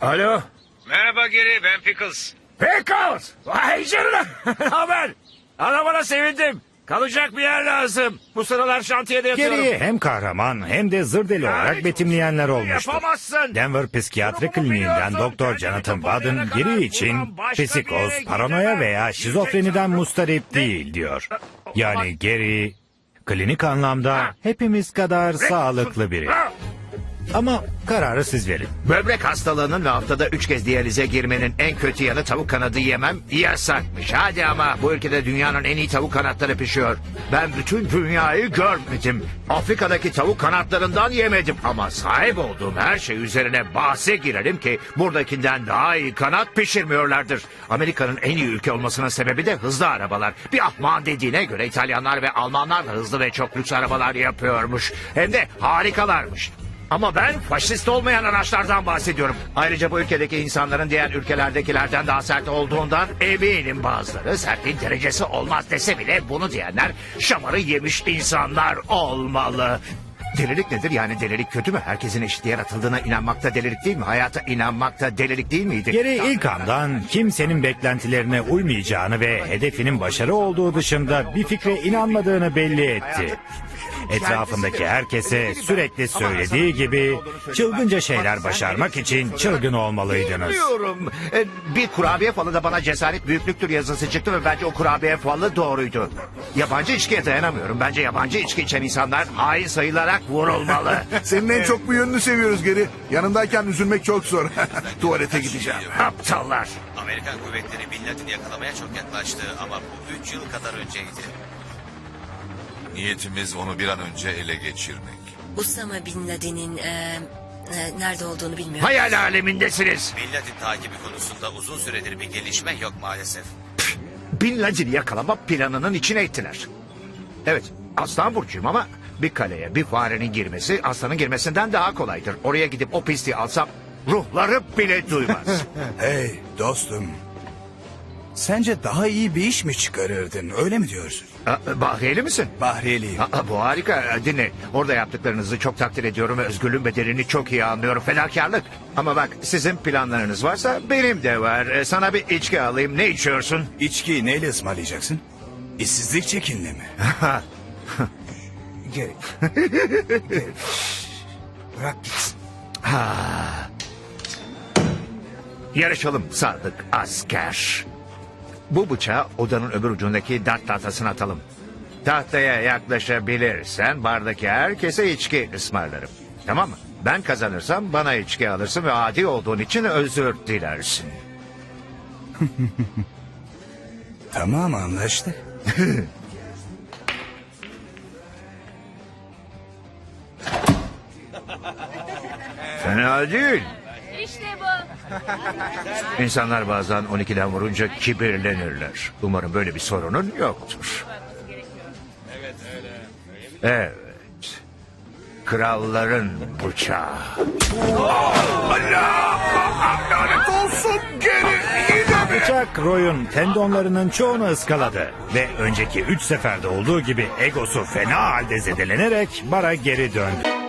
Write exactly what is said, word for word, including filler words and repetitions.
Alo. Merhaba Geri, ben Pickles. Pickles. Vay canına. Ne haber? Adamına sevindim. Kalacak bir yer lazım. Bu sıralar şantiyede yatıyorum. Geri'yi hem kahraman hem de zır deli olarak betimleyenler olmuştur. Yapamazsın. Denver Psikiyatri Kliniğinden Doktor Jonathan Baden Geri için psikoz, paranoya veya şizofreniden mustarip değil diyor. Yani Geri klinik anlamda hepimiz kadar sağlıklı biri. Ama kararı siz verin. Böbrek hastalığının ve haftada üç kez diyalize girmenin en kötü yanı tavuk kanadı yemem yasakmış. Hadi ama bu ülkede dünyanın en iyi tavuk kanatları pişiyor. Ben bütün dünyayı görmedim. Afrika'daki tavuk kanatlarından yemedim. Ama sahip olduğum her şey üzerine bahse girelim ki buradakinden daha iyi kanat pişirmiyorlardır. Amerika'nın en iyi ülke olmasının sebebi de hızlı arabalar. Bir ahman dediğine göre İtalyanlar ve Almanlar da hızlı ve çok lüks arabalar yapıyormuş. Hem de harikalarmış. Ama ben faşist olmayan araçlardan bahsediyorum. Ayrıca bu ülkedeki insanların diğer ülkelerdekilerden daha sert olduğundan eminim bazıları. Sertliğin derecesi olmaz dese bile bunu diyenler şamarı yemiş insanlar olmalı. Delilik nedir? Yani delilik kötü mü? Herkesin eşit yaratıldığına inanmak da delilik değil mi? Hayata inanmak da delilik değil miydi? Geri ilk andan kimsenin beklentilerine uymayacağını ve hedefinin başarı olduğu dışında bir fikre inanmadığını belli etti. Etrafındaki herkese sürekli söylediği gibi çılgınca şeyler başarmak için çılgın olmalıydınız. Bilmiyorum. Ee, Bir kurabiye falı da bana cesaret büyüklüktür yazısı çıktı ve bence o kurabiye falı doğruydu. Yabancı içkiye dayanamıyorum. Bence yabancı içki içen insanlar hain sayılarak vurulmalı. Senin en çok bu yönünü seviyoruz Geri. Yanındayken üzülmek çok zor. Tuvalete gideceğim. Aptallar. Amerikan kuvvetleri Bin Laden'i yakalamaya çok yaklaştı ama bu üç yıl kadar önceydi. Niyetimiz onu bir an önce ele geçirmek. Usama Bin Laden'in e, e, nerede olduğunu bilmiyorum. Hayal alemindesiniz. Bin Laden takibi konusunda uzun süredir bir gelişme yok maalesef. Bin Laden'i yakalama planının içine ettiler. Evet, aslan burcuyum ama bir kaleye bir farenin girmesi aslanın girmesinden daha kolaydır. Oraya gidip o pisliği alsam ruhları bile duymaz. Hey dostum. Sence daha iyi bir iş mi çıkarırdın? Öyle mi diyorsun? Aa, Bahriyeli misin? Bahriyeliyim. Aa, bu harika. Dinle. Orada yaptıklarınızı çok takdir ediyorum ve özgürlüğün bedelini çok iyi anlıyorum. Fedakarlık. Ama bak sizin planlarınız varsa benim de var. Ee, Sana bir içki alayım. Ne içiyorsun? İçkiyi neyle ısmarlayacaksın? İşsizlik çekinle mi? Gel. Gel. Bırak gitsin. Yarışalım sadık asker. Bu bıçağı odanın öbür ucundaki dart tahtasına atalım. Tahtaya yaklaşabilirsen bardaki herkese içki ısmarlarım. Tamam mı? Ben kazanırsam bana içki alırsın ve adi olduğun için özür dilersin. Tamam anlaştık. Fena değil. İşte bu. İnsanlar bazen on ikiden vurunca kibirlenirler. Umarım böyle bir sorunun yoktur. Evet. Kralların bıçağı. Bıçak Roy'un tendonlarının çoğunu ıskaladı ve önceki üç seferde olduğu gibi egosu fena halde zedelenerek bara geri döndü.